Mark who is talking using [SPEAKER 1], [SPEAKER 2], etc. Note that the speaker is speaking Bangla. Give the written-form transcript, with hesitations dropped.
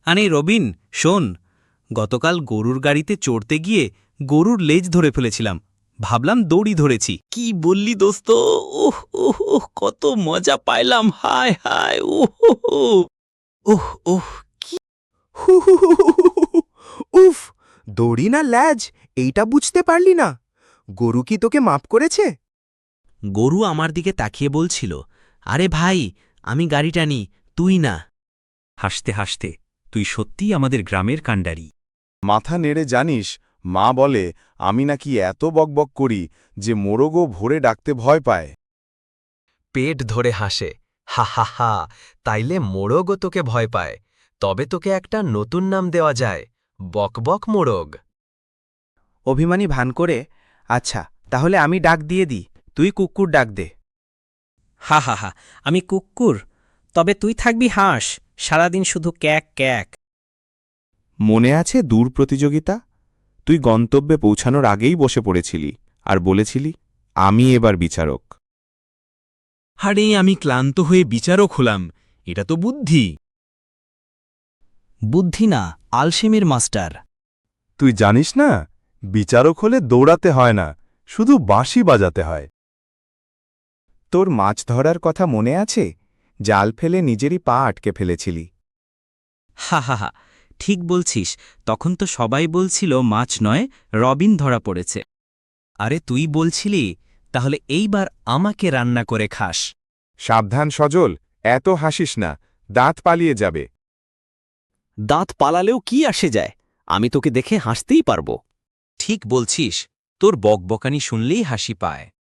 [SPEAKER 1] আরে রবিন, শোন, গতকাল গরুর গাড়িতে চড়তে গিয়ে গরুর লেজ ধরে ফেলেছিলাম। ভাবলাম দড়ি ধরেছি। কি বললি দোস্ত? ওহ ওহ ওহ, কত মজা পাইলাম! হায় হায়! ওহ ওহ ওহ ওহ।
[SPEAKER 2] হু হু হু হু হু হু হু। উফ, দড়ি না ল্যাজ এইটা বুঝতে পারলি না? গরু কি তোকে মাপ করেছে?
[SPEAKER 1] গরু আমার দিকে তাকিয়ে বলছিল, আরে ভাই, আমি গাড়ি টানি, তুই না। হাসতে হাসতে, তুই সত্যিই আমাদের গ্রামের কাণ্ডারি।
[SPEAKER 3] মাথা নেড়ে জানিস, মা বলে আমি নাকি এত বকবক করি যে মোরগও ভোরে ডাকতে ভয় পায়।
[SPEAKER 4] পেট ধরে হাসে, হা হা হা, তাইলে মোড়গও তোকে ভয় পায়। তবে তোকে একটা নতুন নাম দেওয়া যায়, বকবক মোড়গ।
[SPEAKER 2] অভিমানী ভান করে, আচ্ছা তাহলে আমি ডাক দিয়ে দিই, তুই কুকুর ডাক দে।
[SPEAKER 5] হা হা হা, আমি কুক্কুর, তবে তুই থাকবি হাঁস, সারাদিন শুধু ক্যাক ক্যাক।
[SPEAKER 3] মনে আছে দূর প্রতিযোগিতা? তুই গন্তব্যে পৌঁছানোর আগেই বসে পড়েছিলি আর বলেছিলি, আমি এবার বিচারক।
[SPEAKER 1] আরে আমি ক্লান্ত হয়ে বিচারক হলাম, এটা তো বুদ্ধি। বুদ্ধি না, আলসেমির মাস্টার।
[SPEAKER 3] তুই জানিস না, বিচারক হলে দৌড়াতে হয় না, শুধু বাঁশি বাজাতে হয়।
[SPEAKER 2] তোর মাছ ধরার কথা মনে আছে? জাল ফেলে নিজেরই পা আটকে ফেলেছিলি।
[SPEAKER 1] হা হা হা, ঠিক বলছিস। তখন তো সবাই বলছিল মাছ নয়, রবিন ধরা পড়েছে। আরে তুই বলছিলি, তাহলে এইবার আমাকে রান্না করে খাস।
[SPEAKER 3] সাবধান সজল, এত হাসিস না, দাঁত পালিয়ে যাবে।
[SPEAKER 6] দাঁত পালালেও কি আসে যায়, আমি তোকে দেখে হাসতেই পারবো।
[SPEAKER 1] ঠিক বলছিস, তোর বকবকানি শুনলেই হাসি পায়।